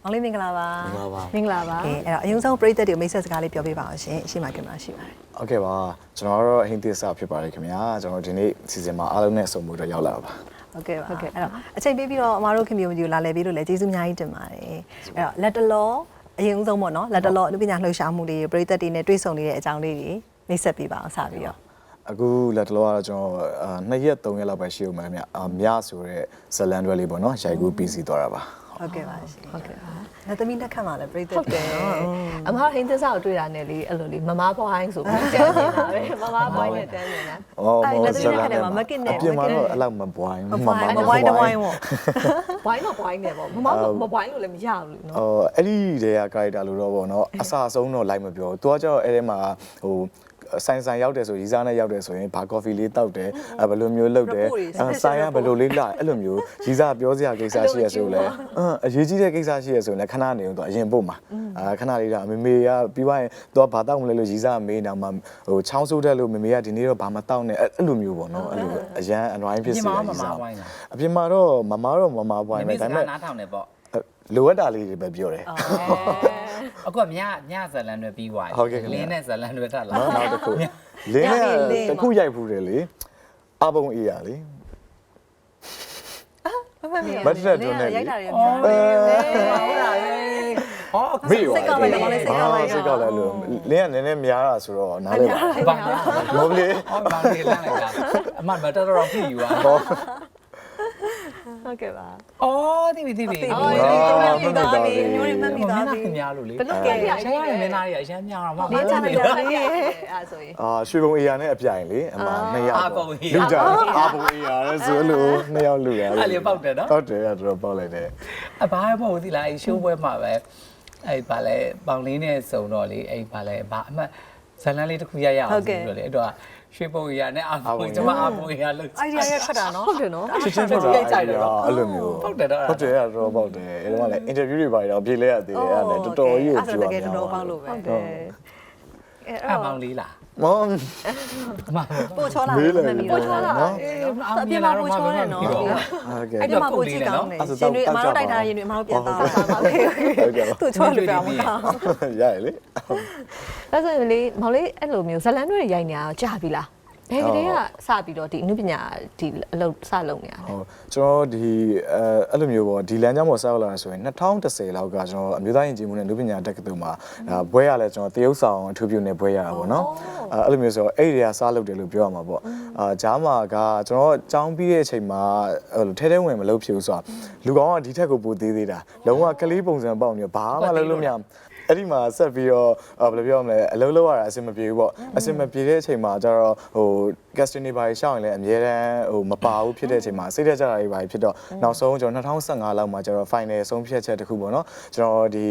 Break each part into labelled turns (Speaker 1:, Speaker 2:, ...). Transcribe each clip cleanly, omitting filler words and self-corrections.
Speaker 1: အောင်လေးမင်္ဂလာပါ
Speaker 2: မင်္ဂလာပါ
Speaker 1: ကဲအဲ့တော့အရင်ဆုံးပရိသတ်တွေကိုမိတ်ဆက်စကားလေးပြောပြပါအောင်ရှင်ရှေ့မှာကင်မရာရှိပါတယ်
Speaker 2: โอเคပါကျွန်တော်ကတော့ဟင်းသစ်စာဖြစ်ပါတယ်ခင်ဗျာကျွန်တော်ဒီနေ့စီစဉ်မှာအားလုံးနဲ့ဆုံမှုတော့ရောက်လာတာပါ
Speaker 1: ဟုတ်ကဲ့ပါအဲ့တော့အချိန်ပေးပြီးတော့အမားတို့ခင်ဗျုံကြီးကိုလာလည်ပြီးလို့လည်းကျေးဇူးအများကြီးတင်ပါတယ်အဲ့တော့လက်တလောအရင်ဆုံးပေါ့နော်လက်တလောအနုပညာလှူရှာမှုလေးပရိသတ်တွေနဲ့တွေ့ဆုံနေတဲ့အကြောင်းလေးတွေမိတ်ဆက်ပေးပါအောင်စပြီးတော့
Speaker 2: အခုလက်တလောကတော့ကျွန်တော်2ရက်3ရက်လောက်ပဲရှိဦးမယ်ခင်ဗျာမြဆိုတဲ့ဇလန်တွဲလေးပေါ့နော်ရိုက်ကူးပြီးစီသွားတာပါ
Speaker 1: ဟုတ်ကဲ့ပါရှင်ဟုတ်ကဲ့ပါလက်သမီးလက်ခတ်မှာလည်းပရိသတ်
Speaker 3: ဟုတ်တယ်အမဟင်းသစ္စာကိုတွေ့တာနဲ့လေအဲ့လိုလေမမဘွိုင်းဆိုပြီးတန်းနေတာပဲမမဘွိုင်းနဲ့တန်းနေတာ
Speaker 1: အဲ့လက်သမီးလက်ခတ်တယ်မှာမကစ်နဲ့
Speaker 2: အပြင်မှာတော့အဲ့လောက်မပွိုင်း
Speaker 1: မဝိုင်းတဝိုင်းပေါ့
Speaker 3: ဘွိုင်းတော့ဘွိုင်းနေပေါ့မမဘွိုင်းလို့လည်းမရဘူးနော်
Speaker 2: အဲ့ဒီတဲက character လို့တော့ပေါ့နော်အစအဆုံးတော့လိုက်မပြောသူကကျတော့အဲ့ထဲမှာဟိုဆိုင်ရောက်တယ်ဆိုရီစားနဲ့ရောက်တယ်ဆိုရင်ဘာကော်ဖီလေးတောက်တယ်ဘယ်လိုမျိုးလုပ်တယ်ဆိုင်ကဘယ်လိုလေးလာအဲ့လိုမျိုးရီစားပြောစရာကိစ္စရှိရဆိုလဲအရေးကြီးတဲ့ကိစ္စရှိရဆိုရင်လည်းခဏနေတော့အရင်ပို့မှာခဏလေးတော့မေမေကပြီးသွားရင်သူကဘာတောက်မလဲလို့ရီစားမေးနေတာမှဟိုချောင်းဆိုးတယ်လို့မေမေကဒီနေ့တော့ဘာမတောက်နဲ့အဲ့လိုမျိုးပေါ့နော်အဲ့လိုအရန်အနွိုင်းဖြစ်စီရရီစားအပြင်မှာတော့မမပွိုင်းပဲဒါပေမဲ့
Speaker 4: နားထောင်နေပေါ့
Speaker 2: လိုအပ်တာလေးတွေပဲပြောတယ်
Speaker 4: အခုကညဇလန်တွေပြီးသွားပြီလင်းနဲ့ဇလန်တွေတက်လာ
Speaker 2: နောက်တစ်ခုလင်းနဲ့တစ်ခုရိုက်ဖူးတယ်လေအပုံအေးရလေ
Speaker 1: မတ်တက်တွန်းနေရိုက်တာတွေပြောတယ်
Speaker 4: ဟုတ်လားဟော
Speaker 2: မေ့ရောစိတ်ကောက်လိုက်လို့လင်းကနည်းနည်းများတာဆိုတော့နားလေပါ
Speaker 4: ဘာ
Speaker 2: မဟုတ်လေ
Speaker 4: ဟောဘာနေလန့်လိုက်တာအမမတော်တော်ဖြစ်ယူอ่ะ
Speaker 3: ဟုတ်ကဲ့ပါ
Speaker 4: အော်တိပြီ
Speaker 1: ဒီမျိုးတွေမှတ်မိသွားပြီ
Speaker 4: ခင်များလို့လေ
Speaker 3: ဘလို့ကဲရ
Speaker 4: ရရမင်းသားတွေအရန်များတော့မ
Speaker 3: နေချာနေတယ်လေအဲ့ဆိုရင်
Speaker 2: ရွှေဘုံအေးရနဲ့အပြိုင်လေအမ2ယောက်လူကြအာဘုံအေးရလဲဆိုလို့2ယောက်လူရ
Speaker 4: အဲ့လေပေါက်တယ်နော်
Speaker 2: ဟုတ်တယ်တော်တော်ပေါက်လိုက်တယ်
Speaker 4: အဘာမှမဟုတ်သီလားအဲ့ရှိုးပွဲမှာပဲအဲ့ဘာလဲပေါင်လေးနဲ့စုံတော့လေအဲ့ဘာလဲဘာအမှတ်ဇလန်းလေးတစ်ခုရရအောင်ဆိုလို့လေအဲ့တော့ရွှေပုံရနဲ့အာပုံကျမအာပုံရလို့
Speaker 1: အိုင်ဒီယာရထွက်တာနော်
Speaker 3: ဟုတ်တယ်နော်
Speaker 2: ချစ်ချင်းထွက်တာအဲ့လိုမျိုး
Speaker 4: ဟုတ်တယ်တော့
Speaker 2: ဟုတ်တယ်တော်တော်ပေါက်တယ်အဲ့တော့လည်း interview တွေပါတော့ပြေးလဲရသေးတယ်အဲ့ဒါတော်တော်ကြီးကိုကြည့်ရအောင်
Speaker 1: တော်ပေါက်လို့ပဲ
Speaker 3: ဟုတ်တယ်အဲ့
Speaker 4: အမောင်လေးလား
Speaker 2: မောင်
Speaker 4: အမ
Speaker 1: ပို့ချောလာမှတ်မိ
Speaker 3: ပို့
Speaker 1: တော့
Speaker 3: ချောလာ
Speaker 4: အေးအမေလာတော့မပြောနဲ့နော်
Speaker 2: ဟုတ်ကဲ့
Speaker 1: အဲ့ဒီမှာပို့ကြည့်ကောင်းတယ်ရှင်တွေအမားတို့တိုက်ထားရင်တွေအမားတို့ပြန်သားပါโอเคသူ့ချောလို့ပြောမှာ
Speaker 2: ရရလေ
Speaker 3: ဒါဆိုရင်လေမောင်လေးအဲ့လိုမျိုးဇလန်တွေရိုက်နေတာကြာပြီလားဘယ်ကလေးကစပြီးတော့ဒီအနုပညာဒီအလုပ်စလုပ်နေရလဲ
Speaker 2: ဟုတ်ကျွန်တော်ဒီအဲ့လိုမျိုးပေါ့ဒီလမ်းကြောင်းပေါ်ဆောက်လာဆိုရင်2010လောက်ကကျွန်တော်အမျိုးသားယဉ်ကျေးမှုနဲ့လူပညာတက္ကသိုလ်မှာဒါဘွဲရလဲကျွန်တော်တရုတ်ဆောင်အထူးပြုနေဘွဲရတာပေါ့နော်အဲ့လိုမျိုးဆိုတော့အဲ့ဒီကစားလုပ်တယ်လို့ပြောရမှာပေါ့ဂျားမာကကျွန်တော်ကျောင်းပြီးတဲ့အချိန်မှာထဲထဲဝင်မလုပ်ဖြစ်ဘူးဆိုတော့လူကောင်ကဒီထက်ကိုပိုသေးသေးတာလုံးဝကလေးပုံစံပေါက်နေဘာမှလုပ်လို့မရအဲ့ဒီမှာဆက်ပြီးတော့ဘယ်လိုပြောမလဲအလုံးလောက်ရတာအဆင်မပြေဘူးပေါ့အဆင်မပြေတဲ့အချိန်မှာကျတော့ဟို casting တွေပါရှောင်းရင်လည်းအများတန်းဟိုမပါဘူးဖြစ်တဲ့အချိန်မှာစိတ်သက်ကြတာတွေပါဖြစ်တော့နောက်ဆုံးကျွန်တော်2015လောက်မှာကျတော့ final ဆုံးဖြတ်ချက်တစ်ခုပေါ့နော်ကျွန်တော်ဒီ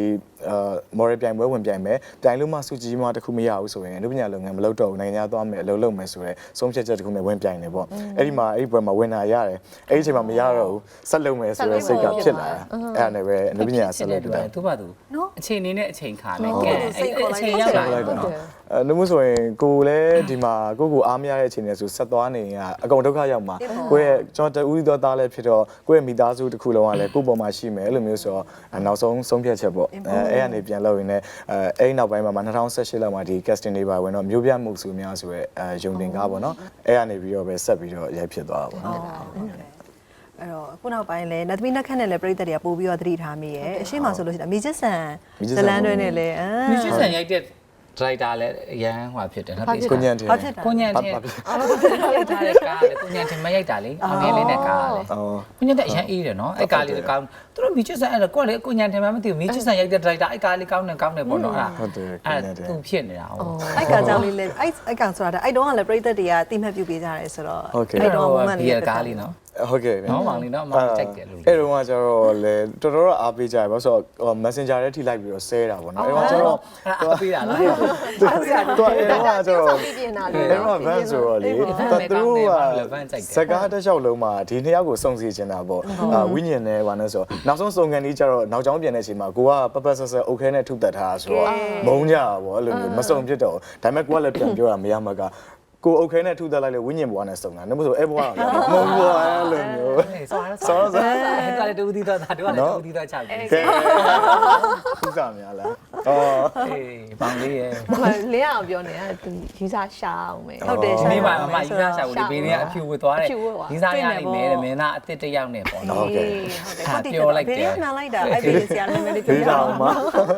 Speaker 2: moral ပြိုင်ပွဲဝင်ပြိုင်မယ်ပြိုင်လို့မှစုကြည်မှတစ်ခုမရဘူးဆိုရင်အနုပညာလုပ်ငန်းမလုပ်တော့ဘူးနိုင်ငံခြားသွားမယ်အလုပ်လုပ်မယ်ဆိုတော့ဆုံးဖြတ်ချက်တစ်ခုနဲ့ဝင်ပြိုင်နေပေါ့အဲ့ဒီမှာအဲ့ဒီပွဲမှာဝင်တာရတယ်အဲ့ဒီအချိန်မှာမရတော့ဘူးဆက်လုပ်မယ်ဆိုတော့စိတ်ကဖြစ်လာတာအဲ့ဒါနဲ့ပဲအနုပညာဆက်လုပ်တာ
Speaker 4: သူ့ဘာသူအချိန်နေနဲ့အချိန်ခါလဲကဲအချိန်ရောက်လာတယ်နော်
Speaker 2: နှမှုဆိုရင်ကိုလည်းဒီမှာကိုအားမရတဲ့အချိန်တွေဆိုဆက်သွားနေရင်အကုန်ဒုက္ခရောက်မှာကိုရဲ့ကျွန်တော်တူဦးတော်သားလည်းဖြစ်တော့ကိုရဲ့မိသားစုတစ်ခုလုံးကလည်းကိုပေါ်မှာရှိမယ်အဲ့လိုမျိုးဆိုတော့နောက်ဆုံးဆုံးဖြတ်ချက်ပေါ့အဲ့ကနေပြန်လုပ်ရင်းနဲ့အဲ့နောက်ပိုင်းမှာ2018လောက်မှာဒီ casting တွေပါဝင်တော့မျိုးပြမှုစုများဆိုရဲယုံတင်ကားပေါ့နော်အဲ့ကနေပြီးတော့ပဲဆက်ပြီးတော့ရိုက်ဖြစ်သွားတာပေါ့နော်
Speaker 1: အဲ့တော့ခုနောက်ပိုင်းလဲလက်သမီးနှက်ခတ်နဲ့လဲပြိသက်တွေကပို့ပြီးတော့သတိထားမိရဲ့အရှိမဆိုလို့ရှိရင်အမီချစ်ဆန်ဇလန်တွဲနဲ့လဲ
Speaker 4: မြစ်ဆန်ရိုက်တဲ့ driver လည်းရန်ဟွာဖြစ်တယ်နော်
Speaker 2: ကိုညံတယ်
Speaker 4: ကိုညံတင်ရိုက်ထားတဲ့ကားလေကိုညံတင်မရိုက်တာလေအငယ်လေးနဲ့ကားလေကိုညံတဲ့အရန်အေးတယ်နော်အဲ့ကားလေးကောင်းသူတို့မြစ်ဆန်အဲ့တော့ကိုလေကိုညံတင်မှမသိဘူးမြစ်ဆန်ရိုက်တဲ့ driver အဲ့ကားလေးကောင်းတယ်ပေါ့နော်အဲ့
Speaker 2: ဟုတ်တယ်
Speaker 4: အဲ့သူဖြစ်နေတာဟုတ်
Speaker 1: အဲ့ကောင်ကြောင့်လေးလဲအဲ့ကောင်ဆိုတာအဲ့တုန်းကလည်းပြိသက်တွေကတိမှတ်ပြုပေးကြတယ်ဆိုတော့
Speaker 4: အဲ့တော့ဘီယာကားလေးနော်
Speaker 2: ဟုတ်ကဲ့
Speaker 4: နော်မောင်လေးနော်မောင်ကြိုက်တယ်လို့
Speaker 2: အဲ့တော့ကကျတော့လေတော်တော်အားပေးကြရပါဆိုတော့ Messenger ထဲထိလိုက်ပြီးတော့ဆဲတာပေါ့နော်အဲ့တော့ကျတော့
Speaker 4: အားပေးတာလား
Speaker 2: တော့အဲ့တော့ကျတော့အဲ့တော့ van ဆိုတော့လေသူတို့ကစကားတစ်လျှောက်လုံးမှာဒီနှစ်ယောက်ကိုစုံစီချင်တာပေါ့ဝိညာဉ်နဲ့ဘာနဲ့ဆိုနောက်ဆုံးစုံကန်ကြီးကျတော့နောက်ကျောင်းပြန်တဲ့အချိန်မှာကိုကပပဆက်ဆက် okay နဲ့ထုတ်တက်ထားတာဆိုတော့မုန်းကြတာပေါ့အဲ့လိုမျိုးမစုံဖြစ်တော့ဒါပေမဲ့ကိုကလည်းပြန်ပြောတာမရမှာကကိုโอเคနဲ့ထုသက်လိုက်လေဝိညာဉ်ဘွားနဲ့စုံတာနှမဆိုအဲ့ဘွားကမဟုတ်ဘွားအဲ့လိုမျိုး
Speaker 4: ဆောဆောလည်းတူသီးတော့ဒါတို့ကလည်းတူသီးတော့ချပြီ
Speaker 2: ကဲခုစားများလား
Speaker 4: အေးပေါင်လေးရဲ့
Speaker 3: လင်းအောင်ပြောနေတာယူစားရှာအောင်မယ်
Speaker 1: ဟုတ်တယ်
Speaker 4: ဒီနေ့မှမမယူစားရှာဘူးဒီဘေးတွေကအဖြူဝတ်သွားတယ်ဒီစားရလိမ့်မယ်တဲ့မင်းသားအစ်စ်တစ်ယောက်နဲ့ပေါ့နော်
Speaker 1: ဟုတ်တယ်ပြောလိုက်တယ်နားလိုက်တာအဲ့ဒီဆရာနာမည်လေးပြောရအောင်ပါ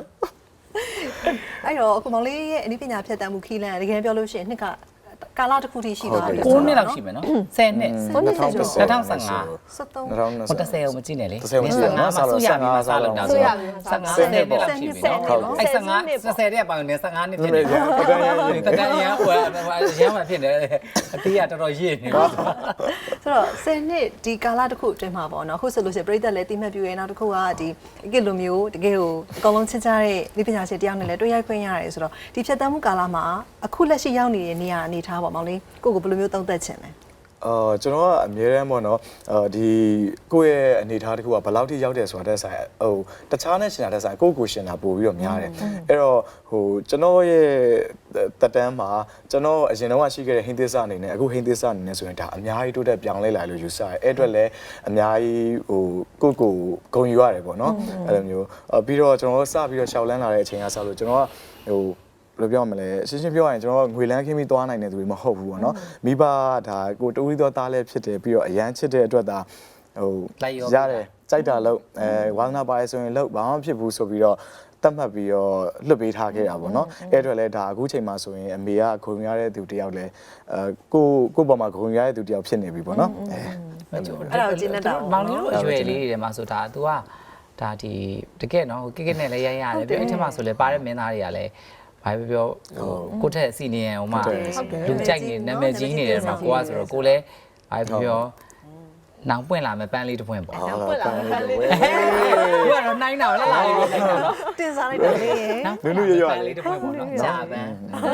Speaker 1: အဲ့တော့အခုမောင်လေးရဲ့အနည်းပညာဖြတ်တန်းမှုခီးလန်းတကယ်ပြောလို့ရှိရင်နှစ်ကကာလတစ်ခုထိရှိသွားပြီ
Speaker 4: 9နှစ်လောက်ရှိမယ်နော်10နှစ်2015
Speaker 1: 73
Speaker 4: ဟို30ကိုမကြည့်နဲ့လေ
Speaker 2: 30မကြည့်နဲ့နော်
Speaker 4: ဆူရပြီးမှစားလို့တာဆို15နှစ်လောက်ရှိပြီနော်အဲ့15 30တဲ့ပေါင်နဲ့15နှစ်ဖြစ်နေတယ်တကယ်ရန်ဟိုရန်မှဖြစ်နေတယ်အသေးကတော်တော်ရည်နေပါ
Speaker 1: ဆိုတော့10နှစ်ဒီကာလတစ်ခုအတွင်းမှာပေါ့နော်အခုဆိုလို့ရှိရင်ပြည်သက်လည်းတိမှတ်ပြရဲနောက်တစ်ခုကဒီအကစ်လိုမျိုးတကယ်ကိုအကောင်လုံးချစ်ကြတဲ့ဒီပညာရှင်တယောက်နဲ့လည်းတွေ့ရိုက်ခွင့်ရတယ်ဆိုတော့ဒီဖြတ်တန်းမှုကာလမှာအခုလက်ရှိရောက်နေတဲ့နေရာအနေထားပေါ့မောင်လေးကိုကိုဘယ်လိုမျိုးသုံးသပ်ချင်လဲ
Speaker 2: ကျွန်တော်ကအမြဲတမ်းပေါ့နော်ဒီကိုယ့်ရဲ့အနေအထားတစ်ခုကဘယ်လောက်ထိရောက်တယ်ဆိုတာတက်ဆိုင်ဟိုတခြားနဲ့ရှင်တာတက်ဆိုင်ကိုယ့်ကိုရှင်တာပို့ပြီးတော့များတယ်အဲ့တော့ဟိုကျွန်တော်ရဲ့တက်တန်းမှာကျွန်တော်အရင်တော့ရှိခဲ့တဲ့ဟင်းသစ္စာအနေနဲ့အခုဟင်းသစ္စာအနေနဲ့ဆိုရင်ဒါအများကြီးတိုးတက်ပြောင်းလဲလာလို့ယူဆတယ်အဲ့အတွက်လည်းအများကြီးဟိုကိုဂုဏ်ယူရတယ်ပေါ့နော်အဲ့လိုမျိုးပြီးတော့ကျွန်တော်စပြီးတော့ရှောက်လန်းလာတဲ့အချိန်ကစလို့ကျွန်တော်ကဟိုဘယ်လိုပြောမလဲရှင်းရှင်းပြောရရင်ကျွန်တော်ငွေလန်းခင်းပြီးသွားနိုင်တဲ့သူတွေမဟုတ်ဘူးပေါ့နော်မိဘဒါကိုတူရီတော်သားလည်းဖြစ်တယ်ပြီးတော့အရန်ချစ်တဲ့အတွက်ဒါဟိုရတယ်ကြိုက်တာလို့ဝါသနာပါရဆိုရင်လို့ဘာမှဖြစ်ဘူးဆိုပြီးတော့တတ်မှတ်ပြီးတော့လွတ်ပေးထားခဲ့တာပေါ့နော်အဲ့အတွက်လည်းဒါအခုချိန်မှာဆိုရင်အမေကဂုဏ်ရတဲ့သူတယောက်လည်းကိုပေါ်မှာဂုဏ်ရတဲ့သူတယောက်ဖြစ်နေပြီပေါ့နော်
Speaker 1: အဲ့ဒါကိုကျင်းနေတာ
Speaker 4: မောင်လေးတို့အရွယ်လေးတွေမှာဆိုဒါ तू ကဒါဒီတကယ်နော်ကိကိနဲ့လည်းရိုက်ရတယ်ပြီးအဲ့ထက်မှဆိုလည်းပါတဲ့မင်းသားတွေကလည်းဘာပြောကိုထက်စီနီယံဟိုမှာလူကြိုက်နေနာမည်ကြီးနေတယ်မှာကိုကဆိုတော့ကိုလည်းဘာပြောနောင်ပွင့်လာမယ်ပန်းလေးတစ်ပွင့်ပေါ့
Speaker 3: နောင်ပွင့်လာမယ်ပန်းလေး
Speaker 4: ကိုကတော့နှိုင်းတာလက်လာလေးပဲနှိုင်းတာနော်
Speaker 1: တင်စားလိုက်တယ်လေ
Speaker 2: နုနုရရ
Speaker 4: လေးတစ်ပွင့်ပေါ့နော်ကြာပန်း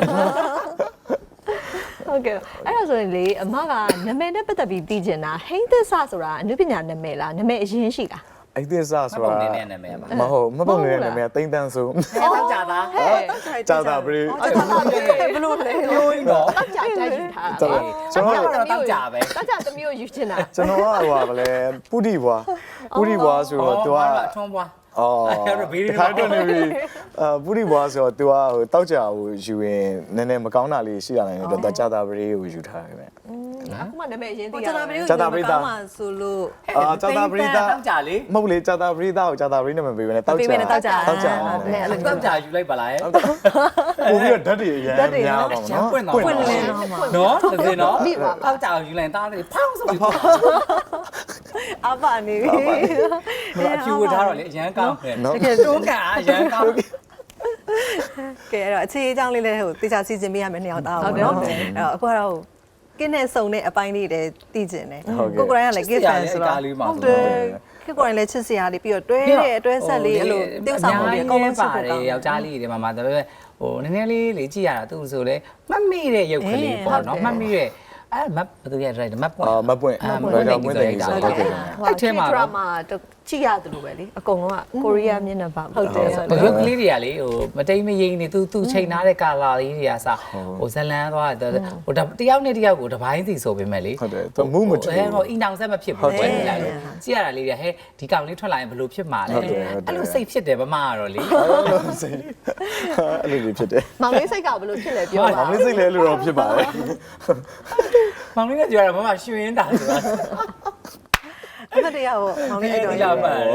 Speaker 3: ဟုတ်ကဲ့အဲ့ဒါဆိုရင်လေအမကနာမည်နဲ့ပတ်သက်ပြီးသိချင်တာဟိန်းသစ္စာဆိုတာအနုပညာနာမည်လားနာမည်အရင်ရှိလား
Speaker 2: အဲ့ဒီစားဆိုတာ
Speaker 4: မဟုတ်နေတဲ့နာမည်ပါ
Speaker 2: မဟုတ်မပုံနေတဲ့နာမည်တိမ့်တန်းဆို
Speaker 4: တော့ကြာတာ
Speaker 2: ကြာတာဘယ်
Speaker 1: ဘလို့လဲ
Speaker 4: ရိုးရင်တော့
Speaker 3: ကြာတိုက်ယူထားတာ
Speaker 2: ကျွန်တော်
Speaker 4: တော့ကြာပဲ
Speaker 3: ကြာသမီးကိုယူချင်တာ
Speaker 2: ကျွန်တော်ကဟိုပါလဲပုတိဘွားဆိုတော့သူက
Speaker 4: ထွန်းဘွား
Speaker 2: အဲ့ဘေးတွေခိုင်းတော့နေပြီပုရိဘွားဆိုတော့ तू ကဟိုတောက်ကြကိုယူရင်နည်းနည်းမကောင်းတာလေးရှိရနိုင်တယ်တော့ကြာတာပရိကိုယူထားတယ်ဗျ
Speaker 3: အခုမှနာမည်အရင်သိရ
Speaker 1: ကြာတာပရိကိုကြာတာပရိသားဆိုလို့
Speaker 2: ကြာတာပရိသား
Speaker 4: တောက်ကြလေ
Speaker 2: မဟုတ်လေကြာတာပရိသားကိုကြာတာပရိနဲ့မပေးဘဲနဲ့တောက်ကြ
Speaker 1: တောက်ကြ
Speaker 4: တောက်ကြယူလိုက်ပါလား
Speaker 2: ပို့ပြီးတော့ဓာတ်တွေအရင်များပါတော့နော်
Speaker 4: ပွင့်လင်းနော်တကယ်နော်တောက်ကြယူလိုက်တားတယ်ဖောင်းဆိုပြီး
Speaker 1: အပါနေပြီ
Speaker 4: အဖြူဝထားတော့လေအရန်ကောင်းတယ်တကယ်တွန်းကန်အရန်ကောင်း
Speaker 1: ကဲအဲ့တော့အခြေအကြောင်းလေးလည်းဟိုတေချာစီစဉ်ပေးရမယ်နှစ်ယောက်သားအောင်နော်အဲ့တော့အခုကတော့ကင်းနဲ့စုံတဲ့အပိုင်းလေးတွေတည်ကျင်တယ်ကိုကိုရိုင်းကလည်းကင်းဆန်ဆိုတော့ဟုတ်တယ်ကိုကိုရိုင်းလည်းချစ်စရာလေးပြီးတော့တွဲတဲ့အတွဲဆက်လေးအဲ့လိုတိကျဆောင်လေးအကုန်လုံးချစ်
Speaker 4: ပါတယ်ယောက်ျားလေးတွေမှာဒါပေမဲ့ဟိုနည်းနည်းလေးကြည့်ရတာသူဆိုလဲမှတ်မိတဲ့ရုပ်ကလေးပေါ့နော်မှတ်မိတဲ့အဲ့မတ်ဘယ်သူရရိုက်တယ်မတ်ပွင့်
Speaker 2: မတ်ပွင့်တော့မွေးတယ်ဆိုတာဟုတ်ကဲ့
Speaker 3: အဲ့ထဲမှာဒရာမာကြည့်ရတယ်လို့ပဲလေအကုန်လုံးကကိုရီးယားမျက်နှာပါ
Speaker 1: ဟုတ်တယ်
Speaker 4: ဘရုပ်ကလေးတွေကလေဟိုမတိမ်မရိမ်နေသူချိန်ထားတဲ့ကာလာလေးတွေကစဟိုဇလန်းသွားတယ်ဟိုတယောက်နဲ့တယောက်ကိုတပိုင်းစီဆိုပေမဲ့လေ
Speaker 2: ဟုတ်တယ်သူမူးမတူ
Speaker 4: ဟိုအီနောင်ဆက်မဖြစ်ဘူးပဲလာလို့ကြည့်ရတာလေးတွေဟဲ့ဒီကောင်လေးထွက်လာရင်ဘယ်လိုဖြစ်မှာလဲအဲ့လိုစိတ်ဖြစ်တယ်ဗမာကတော့လေ
Speaker 2: အဲ့လိုလေးဖြစ်တယ်
Speaker 3: မောင်လေးစိတ်ကဘယ်လိုဖြစ်လဲပြောပါ
Speaker 2: မောင်လေးစိတ်လဲလို့တော့ဖြစ်ပါတယ်
Speaker 4: မောင်လေးကကြွားတာဗမာရွှင်တာဆိုတာ
Speaker 1: အဲ့တရားကိုမောင်လေးတော့
Speaker 4: ရပါတယ်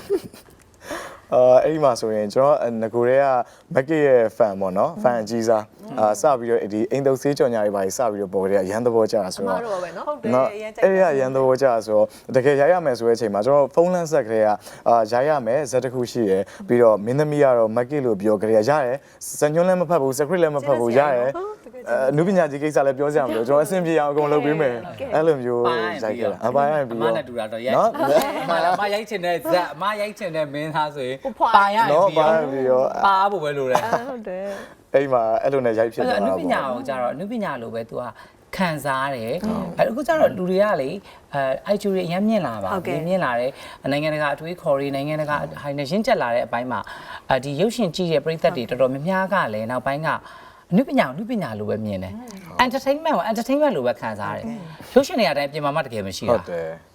Speaker 2: အဲ့ဒီမှာဆိုရင်ကျွန်တော်ငကိုရဲကမက်ကရဲ့ fan ပေါ့နော် fan အကြီးစားစပြီးတော့ဒီအိမ်တုပ်ဆေးကြော်ညာတွေပါစပြီးတော့ပေါ်ကြရရန်သဘောကြတာဆိုတော့
Speaker 1: ဟုတ်တယ်
Speaker 2: အဲ့ရရန်သဘောကြဆိုတော့တကယ်ရိုက်ရမယ်ဆိုတဲ့အချိန်မှာကျွန်တော်ဖုန်းလန်းဆက်ကလေးကရိုက်ရမယ်ဇက်တစ်ခုရှိရယ်ပြီးတော့မင်းသမီးကတော့မက်ကလို့ပြောကြရရတယ်စညွန်းလည်းမဖတ်ဘူး script လည်းမဖတ်ဘူးရတယ်နုပညာကြီးကိစ္စလည်းပြောစရာမလိုကျွန်တော်အဆင်ပြေအောင်အကုန်လုပ်ပေးမယ်အဲ့လိုမျိုးရိုက်ခဲ့တာအပိုင်းရပြီး
Speaker 4: တော့အမနဲ့တူတာတော့ရိုက်အမရိုက်ချင်တဲ့ဇက်အမရိုက်ချင်တဲ့မင်းသားဆိုရင်ပါရပြီးတော့ပါဖို့ပဲလိုတယ်
Speaker 3: ဟုတ်တယ်
Speaker 2: အဲ့မှာအဲ့လိုနဲ့ရိုက်ဖြစ်သွားတာ
Speaker 4: ပေါ့အနုပညာကိုကြတော့အနုပညာလိုပဲ तू ကခံစားရတယ်အဲ့အခုကျတော့လူတွေကလေIQ တွေအများမြင့်လာပါမြင့်လာတယ်နိုင်ငံတကာအထွေးခေါ်တွေနိုင်ငံတကာဟိုင်းနဲ့ရင့်ကျက်လာတဲ့အပိုင်းမှာဒီရုပ်ရှင်ကြည့်တဲ့ပရိသတ်တွေတော်တော်များများကလည်းနောက်ပိုင်းကအနုပညာလိုပဲမြင်တယ် entertainment ကို entertainment လိုပဲခံစားရတယ်ရုပ်ရှင်တွေအတိုင်းပြင်မာမှတကယ်မရှိတာ
Speaker 2: ဟုတ်တယ်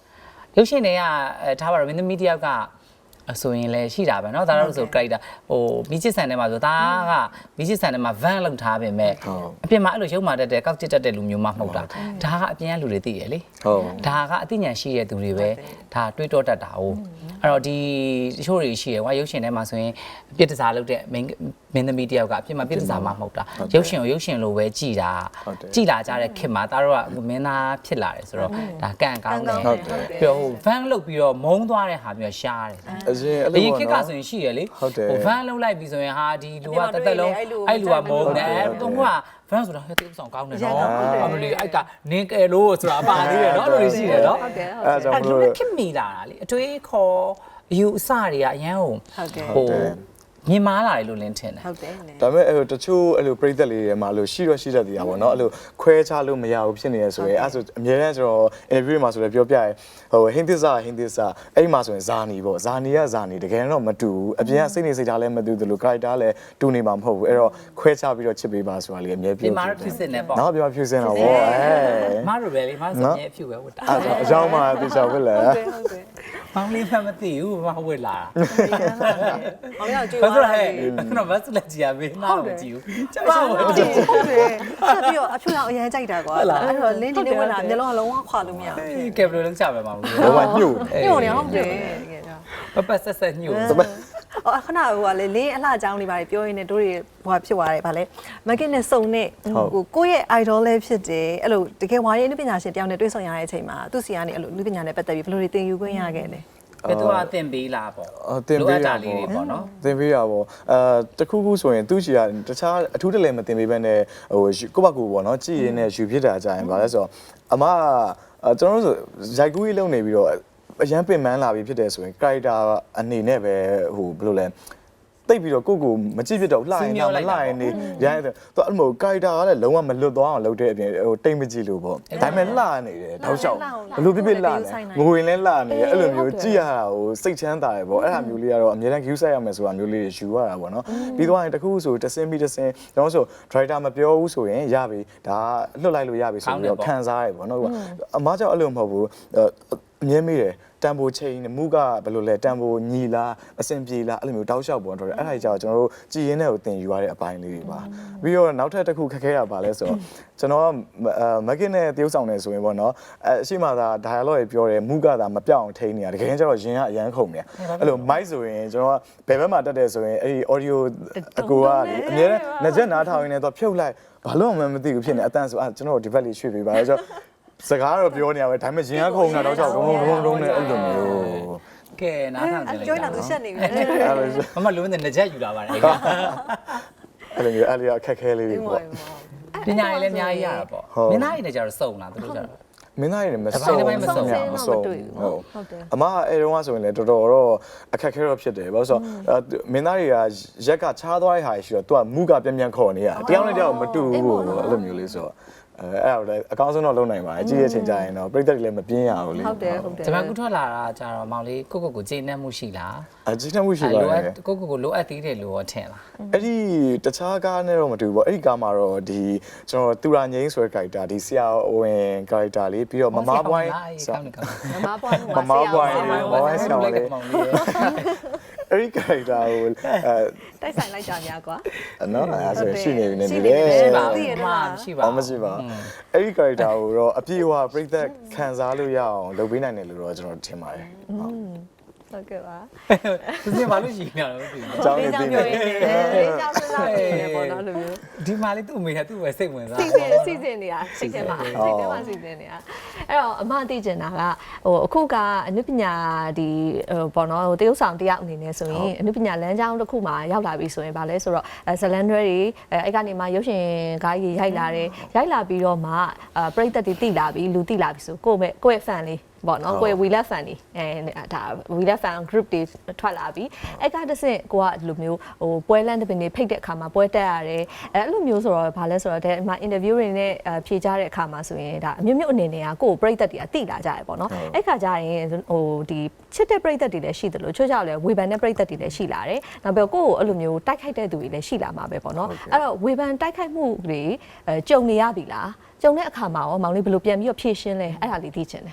Speaker 4: ရုပ်ရှင်တွေကထားပါတော့မင်းသမီးတယောက်ကဆိုရင်လည်းရှိတာပဲเนาะဒါတော့ဆို character ဟိုမိချစ်ဆန်ထဲမှာဆိုဒါကမိချစ်ဆန်ထဲမှာ van လောက်ထားပြင်မဲ့အပြင်မှာအဲ့လိုရုပ်မာတတ်တဲ့ကောက်ချစ်တတ်တဲ့လူမျိုးမှမဟုတ်တာဒါကအပြင်ကလူတွေသိရလေဒါကအသိဉာဏ်ရှိတဲ့သူတွေပဲဒါတွေးတောတတ်တာ哦အဲ့တော့ဒီတချို့တွေရှိရယ်ကွာရုပ်ရှင်ထဲမှာဆိုရင်ပြစ်တစားလုပ်တဲ့မင်းသမီးတယောက်ကအပြင်မှာပြစ်တစားမှမဟုတ်တာရုပ်ရှင်ကိုရုပ်ရှင်လိုပဲကြည်တာကြည်လာကြတဲ့ခင်မှာဒါတော့ကမင်းသားဖြစ်လာတယ်ဆိုတော့ဒါကံကောင်းတယ်ပြီးတော့ဟို van လုပ်ပြီးတော့မုန်းသွားတဲ့ဟာမျိုးရှားတယ်အရင်ခေတ်ကဆိုရင်ရှိရလေဟို van လုံးလိုက်ပြီးဆိုရင်ဟာဒီလူကတက်တက်လုံးအဲ့လူကမုန်းတယ်သူက van ဆိုတာဟဲ့တိကျဆောင်ကောင်းတယ်နော်အမလီအဲ့ကနင်းကယ်လို့ဆိုတာပါသေးတယ်နော်အဲ့လိုရှိတယ်နော်အဲ့ကြောင့်မလို့ခင်မိလာတာလေအတွေးခေါ်ယူအစတွေကအရန်ဟိုမြင်မာလာတယ်လို့လင်းထင်တယ်
Speaker 1: ဟုတ်တယ်
Speaker 2: ဒါပေမဲ့အဲ့လိုတချို့အဲ့လိုပြိသက်လေးတွေမှာအဲ့လိုရှိတော့ရှိတတ်သေးတာပေါ့နော်အဲ့လိုခွဲခြားလို့မရဘူးဖြစ်နေရဆိုရင်အဲ့ဆိုအများနဲ့ကျွန်တော် interview မှာဆိုလည်းပြောပြရဲဟိုဟင်းသစ္စာအဲ့မှာဆိုရင်ဇာနီပေါ့ဇာနီကဇာနီတကယ်တော့မတူဘူးအပြင်ကစိတ်နေစိတ်ထားလည်းမတူသလို character လည်းတူနေမှာမဟုတ်ဘူးအဲ့တော့ခွဲခြားပြီးတော့ချစ်ပေးပါဆိုတာလေးအများပြော
Speaker 4: ဒီမှာတော့ဖြစ်စစ်နေပေါ့
Speaker 2: နော်ပြောဖြူစင်တာပေါ့
Speaker 4: မတို့ပဲလေမဆိုရင်အဖြူပဲဝတ်တာ
Speaker 2: အကြောင်းမှတေချောက်ပဲလေ
Speaker 1: ဟုတ်တယ်
Speaker 4: မောင်လေးမှမသိဘူးမဝတ်လာ
Speaker 1: မောင်ရောက်ကြည့်
Speaker 4: ပါဟဲ့ခုနကဘတ်လက်ကြီးရမေးနားမကြည့်ဘူးကျမ
Speaker 1: ဟုတ်တယ်ဆက်ပြီးတော့အဖြူရောင်အရင်ကြိုက်တာကွာအဲ့တော့လင်းဒီနေ့ဝင်လာမျက်လုံးကလုံးဝခွာလို့မရဘူး
Speaker 4: ကဲဘယ်လိုလုပ်ကြပဲမောင်လေး
Speaker 2: လုံးဝညှို့
Speaker 1: နေဟုတ်တယ်တကယ်
Speaker 4: တော့ပပဆက်ညှို့
Speaker 1: အော်ခဏဟိုကလေလင်းအလှအကြောင်းလေးပါတယ်ပြောရင်းနဲ့တို့တွေဟိုဖြစ်သွားတယ်ဗာလေမကင်နဲ့စုံနဲ့ဟိုကိုယ့်ရဲ့ idol လေးဖြစ်တယ်အဲ့လိုတကယ်ဝါရီအနုပညာရှင်တယောက်နဲ့တွေ့ဆုံရတဲ့အချိန်မှာသူ့စီကနေအဲ့လိုအနုပညာနဲ့ပတ်သက်ပြီးဘယ်လိုတွေသင်ယူခွင့်ရခဲ့လဲ
Speaker 4: ဘယ်သူကတင်ပေးလားပေါ့
Speaker 2: တင်ပေး
Speaker 4: တာလေးတွေပေါ့နော်
Speaker 2: တင်ပေးရပေါ့တခုခုဆိုရင်သူ့ချီကတခြားအထူးတလဲမတင်ပေးဘဲနဲ့ဟိုကိုယ့်ဘက်ကိုပေါ့နော်ကြည်ရင်းနဲ့ယူဖြစ်တာကြရင်ဗာလဲဆိုတော့အမကျွန်တော်တို့ဆိုရိုက်ကူးကြီးလုံနေပြီးတော့အရန်ပင်ပန်းလာပြီးဖြစ်တယ်ဆိုရင် character အနေနဲ့ပဲဟိုဘယ်လိုလဲတိတ်ပြီးတော့ကိုကိုမကြည့်ဖြစ်တော့လှရင်တော့မလှရင်နေရိုင်းတယ်သူအဲ့လို character ကလည်းလုံးဝမလွတ်သွားအောင်လုပ်တဲ့အပြင်ဟိုတိတ်မကြည့်လို့ပေါ့ဒါပေမဲ့လှနေတယ်တောက်လျှောက်ဘလို့ပြပြလှနေငွေလည်းလှနေတယ်အဲ့လိုမျိုးကြည့်ရတာဟိုစိတ်ချမ်းသာတယ်ပေါ့အဲ့ဒါမျိုးလေးကတော့အများတန်း view ဆက်ရမယ်ဆိုတာမျိုးလေးယူရတာပေါ့နော်ပြီးတော့ရင်တခုဆိုတစင်းပြီးတစင်းကျွန်တော်ဆို driver မပြောဘူးဆိုရင်ရပြီဒါလွတ်လိုက်လို့ရပြီဆိုပြီးတော့ခံစားရပေါ့နော်အမားကြောင့်အဲ့လိုမဟုတ်ဘူးအမြဲမေးတယ်တန်ဖိုးချိန်မူကဘယ်လိုလဲတန်ဖိုးညီလားအဆင်ပြေလားအဲ့လိုမျိုးတောက်လျှောက်ပေါ်တော့တယ်အဲ့ဒါကြီးကျွန်တော်တို့ကြည်ရင်းတဲ့ကိုတင်ယူရတဲ့အပိုင်းလေးတွေပါပြီးတော့နောက်ထပ်တစ်ခုခက်ခဲရပါလဲဆိုတော့ကျွန်တော်မကင်နဲ့တရုပ်ဆောင်နေဆိုရင်ပေါ့နော်အရှိမသာ dialogue တွေပြောတယ်မူကသာမပြောင်းအောင်ထိန်းနေတာတကယ်ကျတော့ရင်ကအရန်ခုန်နေအဲ့လို mic ဆိုရင်ကျွန်တော်ကဘယ်ဘက်မှာတက်တယ်ဆိုရင်အဲ့ဒီ audio အကူကလေအများနဲ့ငကြက်နားထောင်ရင်းနဲ့တော့ဖြုတ်လိုက်ဘာလို့မှမသိဘူးဖြစ်နေအတန်းဆိုကျွန်တော်ဒီဘက်လေးရွှေ့ပေးပါဆိုတော့စကားတော့ပြောနေရပဲဒါပေမဲ့ရင်ကခုန်တာတော့ကြောက်ဒုံနဲ့အဲ့လိုမျိုး
Speaker 4: ကဲနားထောင်ကြ
Speaker 1: တယ်ကျွေးလာသူရှက်နေပြီ
Speaker 4: မမလုံးနဲ့ငကြက်ယူလာပါတယ်
Speaker 2: အဲ့လိုမျိုးအဲ့လိုအခက်ခဲလေးတွေပေါ့
Speaker 4: ပညာရေးလည်းအများကြီးရတာပေါ့မင်းသားတွေနဲ့ကြတော့စုံလားသူတို့ကြတော့
Speaker 2: မင်းသားတွေမစုံဟုတ်အမအဲ့တုန်းကဆိုရင်လည်းတော်တော်တော့အခက်ခဲတော့ဖြစ်တယ်ဘာလို့ဆိုတော့မင်းသားတွေကရက်ကချားသွားတဲ့ဟာရှိတော့သူကမူကပြန်ခေါ်နေရတယောက်နဲ့တယောက်မတူဘူးပေါ့အဲ့လိုမျိုးလေးဆိုတော့အဲ့ဒါလည်းအကောင်းဆုံးတော့လုပ်နိုင်ပါတယ်ကြည့်ရချိန်ကြရင်တော့ပြိတ္တတွေလည်းမပြင်းရဘူးလေ
Speaker 1: ဟုတ်တယ်
Speaker 4: ကျွန်မကူထွက်လာတာကြတော့မောင်လေးကိုကျေနပ်မှုရှိလား
Speaker 2: ကျေနပ်မှုရှိပါတယ်
Speaker 4: ကိုလိုအပ်သေးတယ်လို့ထင်လား
Speaker 2: အဲ့ဒီတခြားကားနဲ့တော့မတူဘူးပေါ့အဲ့ဒီကားမှာတော့ဒီကျွန်တော်တူရာငိမ့်ဆိုတဲ့ character ဒီဆရာဝင် character လေးပြီးတော့မမပွိုင်း
Speaker 1: မမပွိုင်း
Speaker 2: ဆောင်းလေးအဲ့ဒီ character ကို
Speaker 1: တိုက်ဆိုင်လိုက်ကြများကွာ
Speaker 2: နော်အဲ့ဆိုရှိနေပြီနေတယ်
Speaker 4: ရှိပါမရှိပါ
Speaker 2: မရှိပါအဲ့ဒီ character ကိုတော့အပြည့်အဝပြည့်သက်ခံစားလို့ရအောင်လုပ်ပေးနိုင်တယ်လို့တော့ကျွန်တော်ထင်ပါတယ်
Speaker 1: ဟုတ်ကဲ့ပါ
Speaker 4: သူကဘာလို့ရှိနေလဲမသိဘူး
Speaker 2: ။ကြောင်းနေတယ်။
Speaker 1: ကြောင်းစဉ်းစားနေတယ်ပေါ့နော်လိုမျိုး
Speaker 4: ။ဒီမှာလေးသူ့အမေကသူ့ပဲစိတ်ဝင်စား
Speaker 1: ။စီစဉ်နေတာစိတ်ထဲမှာစီစဉ်နေတာ။အဲ့တော့အမသိကျင်တာကဟိုအခုကအနုပညာဒီပေါ့နော်ဟိုတရုပ်ဆောင်တယောက်အနေနဲ့ဆိုရင်အနုပညာလမ်းကြောင်းတစ်ခုမှာရောက်လာပြီဆိုရင်ဗာလဲဆိုတော့ဇလန်ဒရဲတွေအဲ့ကနေမှရုပ်ရှင်ကားကြီးရိုက်လာတယ်။ရိုက်လာပြီးတော့မှပရိသတ်တွေတိလာပြီလူတိလာပြီဆိုကိုယ့်ရဲ့ fan လေးပေါ့နော်ကိုယ် we love fan တွေဒါ we love fan group တွေထွက်လာပြီအဲ့ကတဆင့်ကိုကဒီလိုမျိုးဟိုပွဲလန့်တပင်တွေဖိတ်တဲ့အခါမှာပွဲတက်ရတယ်အဲ့လိုမျိုးဆိုတော့ဘာလဲဆိုတော့ဒီမှာ interview တွေနဲ့ဖြေကြတဲ့အခါမှာဆိုရင်ဒါအမျိုးမျိုးအနေနဲ့ကကိုယ်ပရိသတ်တွေကတိလာကြရပေါ့နော်အဲ့ခါကျရင်ဟိုဒီချစ်တဲ့ပရိသတ်တွေလည်းရှိတယ်လို့ချို့ကြောက်လဲဝေဖန်တဲ့ပရိသတ်တွေလည်းရှိလာတယ်နောက်ပြီးကိုယ့်ကိုအဲ့လိုမျိုးတိုက်ခိုက်တဲ့သူတွေလည်းရှိလာမှာပဲပေါ့နော်အဲ့တော့ဝေဖန်တိုက်ခိုက်မှုတွေကြုံနေရပြီလားကြုံတဲ့အခါမှာရောမောင်လေးဘယ်လိုပြန်ပြီးတော့ဖြေရှင်းလဲအဲ့ဒါလေးသိချင်တယ်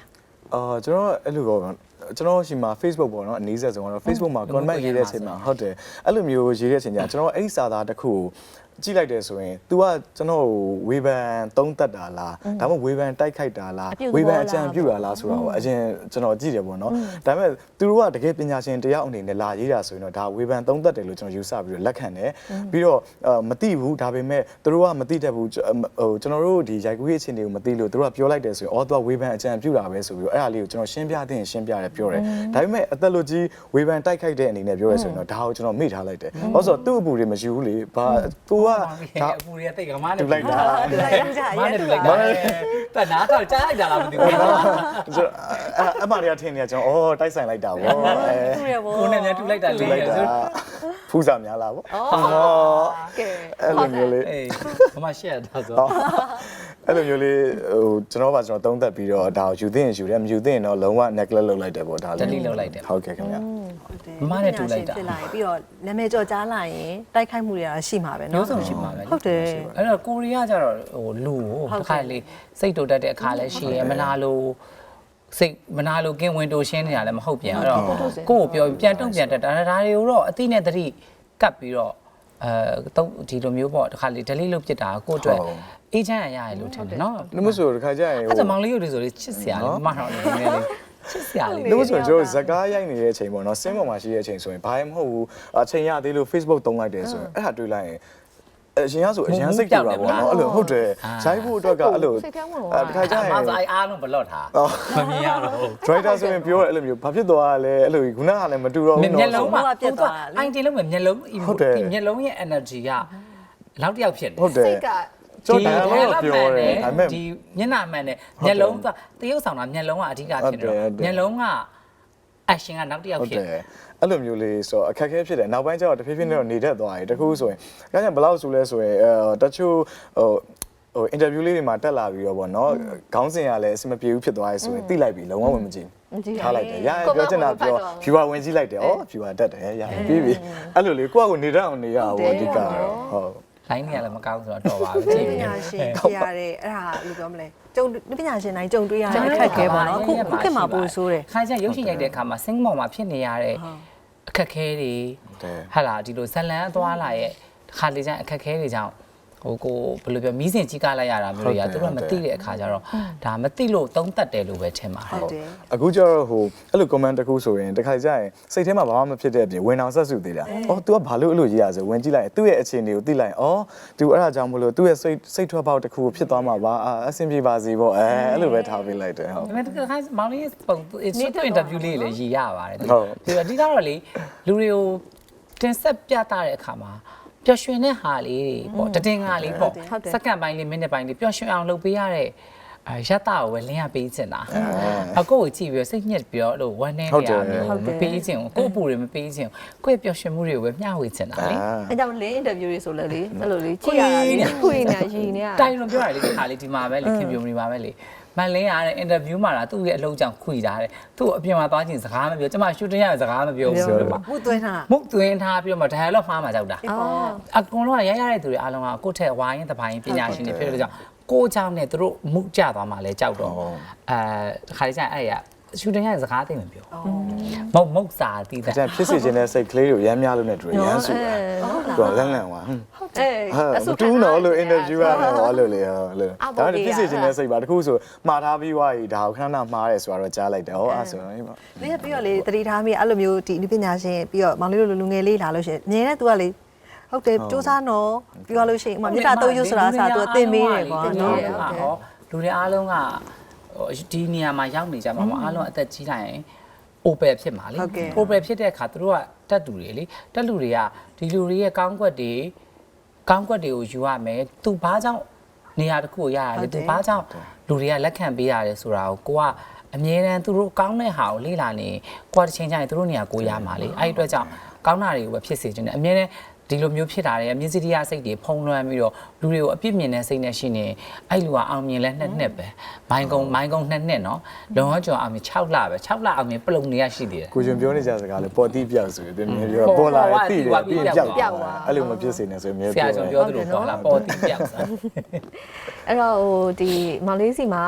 Speaker 2: ကျွန်တော်အဲ့လိုပေါ့ကျွန်တော်ရှိမှာ Facebook ပေါ့နော်အနည်းဆက်ဆုံးတော့ Facebook မှာ comment ရေးတဲ့အချိန်မှာဟုတ်တယ်အဲ့လိုမျိုးရေးတဲ့အချိန်ကျကျွန်တော်အဲ့ဒီစာသားတစ်ခုကြည့်လိုက်တယ်ဆိုရင် तू ကကျွန်တော်ဝေဖန်သုံးသက်တာလားဒါမှမဟုတ်ဝေဖန်တိုက်ခိုက်တာလားဝေဖန်အကြံပြုတာလားဆိုတော့အရင်ကျွန်တော်ကြည့်တယ်ပေါ့နော်ဒါပေမဲ့သူတို့ကတကယ်ပညာရှင်တယောက်အနေနဲ့လာရေးတာဆိုရင်တော့ဒါဝေဖန်သုံးသက်တယ်လို့ကျွန်တော်ယူဆပြီးတော့လက်ခံတယ်ပြီးတော့မသိဘူးဒါပေမဲ့သူတို့ကမသိတတ်ဘူးဟိုကျွန်တော်တို့ဒီရိုက်ကူးရေးအခြေအနေကိုမသိလို့သူတို့ကပြောလိုက်တယ်ဆိုရင်အော် तू ကဝေဖန်အကြံပြုတာပဲဆိုပြီးတော့အဲ့ဒါလေးကိုကျွန်တော်ရှင်းပြသင့်ရှင်းပြတယ်ပြောတယ်ဒါပေမဲ့အသက်လို့ကြီးဝေဖန်တိုက်ခိုက်တဲ့အနေနဲ့ပြောရဲဆိုရင်တော့ဒါကိုကျွန်တော်မေ့ထားလိုက်တယ်ဘာလို့ဆိုတော့သူ့အပူတွေမရှိဘူးလေဘာကိုက
Speaker 4: ဒါအပူတွေကတိတ်ကမားနဲ့
Speaker 2: တူလိုက်တာ
Speaker 4: မားနဲ့တူလိုက်တာတနာတော့ကြားလိုက်တာလားမသိဘူး
Speaker 2: အမတွေကထင်နေကျွန်တော်အော်တိုက်ဆိုင်လိုက်တာဗော
Speaker 4: ကိုနဲ့မြန်တူလိုက်တာလေဆို
Speaker 2: ဖူးစာများလားဗော
Speaker 3: ကဲ
Speaker 2: အဲ့လိုမျိုးလေး
Speaker 4: အေးဘာမှရှက်တာဆို
Speaker 2: အဲ့လိုမျိုးလေးဟိုကျွန်တော်ကသုံးသက်ပြီးတော့ဒါကိုယူသိရင်ယူတယ်မယူသိရင်တော့လုံးဝ neglect လုပ်လိုက်တယ်ဗောဒါလေး
Speaker 4: delete လုပ်လိုက်တယ်
Speaker 2: ဟုတ်ကဲ့ခင်ဗျာ
Speaker 1: ဖြစ်လာရင်ပြီးတော့နာမည်ကျော်ကြားလာရင်တိုက်ခိုက်မှုတွေကရှိမှာပဲเนาะ
Speaker 4: မျိုးစုံရှိမှာပဲ
Speaker 1: ဟုတ်တယ်
Speaker 4: အဲ့တော့ကိုရီးယားကျတော့ဟိုလူကိုတစ်ခါလေစိတ်တူတတ်တဲ့အခါလည်းရှိရမနာလို့စိတ်မနာလို့ကင်းဝင်တိုးရှင်းနေတာလည်းမဟုတ်ပြန်အဲ့တော့ကိုကိုပြောပြန်တုံ့ပြန်တတ်တာဒါတွေကိုတော့အသိနဲ့တတိကပ်ပြီးတော့တော့ဒီလိုမျိုးပေါ့တစ်ခါလေ delete လုပ်ပြစ်တာကိုအတွက်အေးချမ်းရရတယ်လို့ထင်တယ်နော်
Speaker 2: နှမဆိုတခါကျရင်
Speaker 4: အဲ့ဒါမောင်လေးရုပ်တွေဆိုလေချစ်စရာလေးမတော်နေနေလေးချစ်စရာလေး
Speaker 2: နှမဆိုကျွန်တော်ဇကားရိုက်နေတဲ့အချိန်ပေါ့နော်စင်းပေါ်မှာရှိတဲ့အချိန်ဆိုရင်ဘာမှမဟုတ်ဘူးအချိန်ရသေးလို့ Facebook သုံးလိုက်တယ်ဆိုရင်အဲ့ဒါတွေ့လိုက်ရင်အရင်ကဆိုအရင်စိတ်ကြတာပေါ့နော်အဲ့လိုဟုတ်တယ်ရိုက်ဖို့အတွက်ကအဲ့လိုတခါကျရင်
Speaker 4: မဆိုအားလုံးဘလော့ထားမမြင်ရတော့
Speaker 2: driver ဆိုရင်ပြောရအဲ့လိုမျိုးဘာဖြစ်သွားလဲအဲ့လိုခုနကလည်းမတူတော့ဘူးနော်
Speaker 4: မျက်လုံးမှာပြတ်သွားအိုင်တင်လုံးမျက်လုံးဒီမျက်လုံးရဲ့ energy ကလောက်တယောက်ဖြစ်တယ်
Speaker 2: ဟုတ်တယ်
Speaker 3: စိတ်က
Speaker 2: ကျွန်တော်ဒါလည်းပြောတယ်ဒါပေမဲ့
Speaker 4: ဒီမျက်နှာမှန်နဲ့မျက်လုံးကတရုပ်ဆောင်တာမျက်လုံးကအဓိကဖြစ်တော့မျက်လုံးက action ကနောက်တယောက်
Speaker 2: ဟုတ်
Speaker 4: ဖြစ်
Speaker 2: တယ်အဲ့လိုမျိုးလေးဆိုအခက်အခဲဖြစ်တယ်နောက်ပိုင်းကျတော့တဖြည်းဖြည်းနဲ့တော့နေတတ်သွားတယ်တခုဆိုရင်ဒါကြောင့်ဘယ်လောက်ဆိုလဲဆိုရင်တချို့ဟို interview လေးတွေမှာတက်လာပြီးတော့ဗောနော်ခေါင်းစဉ်ကလည်းအဆင်မပြေဘူးဖြစ်သွားရဲဆိုရင်သိလိုက်ပြီလုံးဝဝင်မကြည့်ဘူးထားလိုက်တယ်ရပြောချင်တာပြော viewer ဝင်ကြည့်လိုက်တယ်ဩ viewer တက်တယ်ရပြီးပြီအဲ့လိုလေးကိုယ့်အကိုနေတတ်အောင်နေရအောင်ဗောအဓိကတော့ဟုတ်
Speaker 4: လိုင်းနေရလည်းမကောင်းဆိုတော့တော်ပါပဲကြည့်
Speaker 1: ပ
Speaker 4: နေ
Speaker 1: ညာရှင်ဖြစ်ရတဲ့အဲ့ဒါလို့ပြောမလဲကျုံပညာရှင်တိုင်းကြုံတွေ့ရတဲ့အခက်အခဲပေါ့နော်ခုခေတ်မှာပိုဆိုးတယ်
Speaker 4: ခါကျရုပ်ရှင်ရိုက်တဲ့အခါမှာစင်းမောင်မှာဖြစ်နေရတဲ့အခက်အခဲတွေဟာလာဒီလိုဇလန်အသွားလာရဲ့ခါလေးကျရင်အခက်အခဲတွေကြောင့်ဟိုကိုဘယ်လိုပြောမီးစင်ကြီးကားလိုက်ရတာမျိုးတွေကသူတို့မသိတဲ့အခါကျတော့ဒါမသိလို့သုံးသက်တယ်လို့ပဲထင်ပါတယ်
Speaker 1: ဟုတ်တယ်
Speaker 2: အခုကျတော့ဟိုအဲ့လို comment တစ်ခုဆိုရင်တခါကျရင်စိတ်ထဲမှာဘာမှမဖြစ်တဲ့အပြင်ဝင်အောင်ဆက်စုသေးတာ။အော် तू ကဘာလို့အဲ့လိုရေးရဆိုဝင်ကြည့်လိုက်ရင်သူ့ရဲ့အခြေအနေကိုသိလိုက်ရင်အော် तू အဲ့ဒါကြောင့်မလို့သူ့ရဲ့စိတ်ထွက်ပေါက်တစ်ခုကိုဖြစ်သွားမှာပါအဆင်ပြေပါစေပေါ့အဲ့လိုပဲထားပေးလိုက်တယ်ဟုတ်
Speaker 4: ဒါပေမဲ့တခါမောင်လေးပုံ interview လေးလည်းရည်ရပါတယ်ပြီးတော့အဓိကတော့လေလူတွေကိုတင်ဆက်ပြသတဲ့အခါမှာပျော်ရွှင်တဲ့ဟာလေးတွေပေါ့တည်ငါလေးပေါ့စက္ကန့်ပိုင်းလေးမိနစ်ပိုင်းလေးပျော်ရွှင်အောင်လုပ်ပေးရတဲ့ရတကိုပဲလင်းရပေးချင်တာအကိုကိုကြည့်ပြီးစိတ်ညစ်ပြီးတော့လို့ဝမ်းနေနေရမျိုးမပေးချင်ဘူးကို့အပူတွေမပေးချင်ကိုယ့်ရဲ့ပျော်ရွှင်မှုတွေကိုပဲမျှဝေချင်တာလေ
Speaker 3: အဲကြောင့်လင်းအင်တာဗျူးတွေဆိုလဲလေအဲ့လိုလေကြည့်ရတာလေခွေနေရည်နေရ
Speaker 4: တိုင်လွန်ပြောတာလေဒီခါလေးဒီမှာပဲလေခင်ဗျုံနေပါပဲလေမန်လင်းရတဲ့အင်တာဗျူးမှာသူ့ရဲ့အလုပ်ကြောင့်ခွေတာတဲ့သူ့အပြင်မှာသွားချင်းစကားမပြောကျမရှူတင်ရစကားမပြောဘူးဆိုတော့
Speaker 1: မှုသွင်းတာ
Speaker 4: မုတ်သွင်းထားပြီးတော့မှ dialogue မှားမှာကြောက်တာအကုန်လုံးကရရတဲ့သူတွေအားလုံးကကိုယ့်ထက်ဝိုင်းရင်တပိုင်းပညာရှင်တွေဖြစ်တဲ့ကြောင့်ကိုเจ้าနဲ့သူတို့မှုကြသွားမှလည်းကြောက်တော့ခါလေးကျရင်အဲ့ရရှူတင်ရစကားသိမပြောမုတ်စာတီးတာ
Speaker 2: အဲ့ဒါဖြစ်စီခြင်းတဲ့စိတ်ကလေးကိုရမ်းများလို့နဲ့တူရမ်းစုတာသူကလန့်လန့်သွား
Speaker 3: အေး
Speaker 2: မတူးတော့လို့ interview ရမယ်ဟောလို့လေဟုတ်လို့ဒါပေမဲ့ဖြစ်စီခြင်းတဲ့စိတ်ပါတခုဆိုမှားထားပြီးွားရီဒါကိုခဏခဏမှားတယ်ဆိုတော့ကြားလိုက်တယ်ဟောအဲ့ဆိုတော့ဟေးပါ
Speaker 1: ပြီးတော့လေတတိထားမိအဲ့လိုမျိုးဒီပညာရှင်ပြီးတော့မောင်လေးတို့လူငယ်လေးလာလို့ရှိရင်မြင်တဲ့သူကလေဟုတ်တယ်စူးစမ်းတော့ပြောလို့ရှိရင်ဥမာမြေတာတုံးရွဆိုတာအစားသူသင်မေးတယ်ကွာနော်
Speaker 4: လူတွေအားလုံးကဒီနေရာမှာရောက်နေကြမှာမအားလုံးအသက်ကြီးလိုက်ရင် open ဖြစ်မှာလေ open ဖြစ်တဲ့အခါသူတို့ကတက်တူတွေလေတက်လူတွေကဒီလူတွေရဲ့ကောင်းကွက်တွေကိုယူရမယ်သူဘာကြောင့်နေရာတစ်ခုကိုရရတယ်သူဘာကြောင့်လူတွေကလက်ခံပေးရတယ်ဆိုတာကိုကအမြဲတမ်းသူတို့ကောင်းတဲ့ဟာကိုလေ့လာနေကိုကတစ်ချိန်ကျရင်သူတို့နေရာကိုရမှာလေအဲ့ဒီအတွက်ကြောင့်ကောင်းတာတွေကိုပဲဖြစ်စေချင်တယ်အမြဲတမ်းဒီလိုမျိုးဖြစ်တာတွေမြင့်စီတရားစိတ်တွေဖုံးလွှမ်းပြီးတော့လူတွေကိုအပြစ်မြင်တဲ့စိတ်နဲ့ရှိနေအဲ့လူကအောင်မြင်လဲနှစ်ပဲမိုင်းကုန်းနှစ်နော်လုံဝကျော်အောင်မြင်6လပဲ6လအောင်မြင်ပလုံနေရရှိသေးတယ်
Speaker 2: ကိုကျွန်ပြောနေကြစကားလေပေါ်တိပြောက်ဆိုရင်သူမြင်ပြောပေါ်လာတယ်တိတယ်ပြီးပြောက်အဲ့လိုမဖြစ်စေနဲ့ဆိုရင်မြဲ
Speaker 4: ဆရာ
Speaker 2: ပြော
Speaker 4: ကျွန်ပြောသလိုပေါ့လားပေါ်တိပြောက်စား
Speaker 3: အဲ့တော့ဟိုဒီမောင်လေးစီမှာ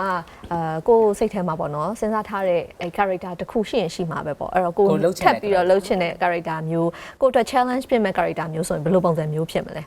Speaker 3: ကိုစိတ်ထဲမှာပေါ့နော်စဉ်းစားထားတဲ့အဲ character တစ်ခုရှိရင်ရှိမှာပဲပေါ့အဲ့တော့ကိုထပ်ပြီးတော့လှုပ်ချင်တဲ့ character မျိုးကိုအတွက် challenge ဖြစ်မဲ့ character မျိုးဆိုရင်ဘယ်လိုပုံစံမျိုးဖြစ်မလဲ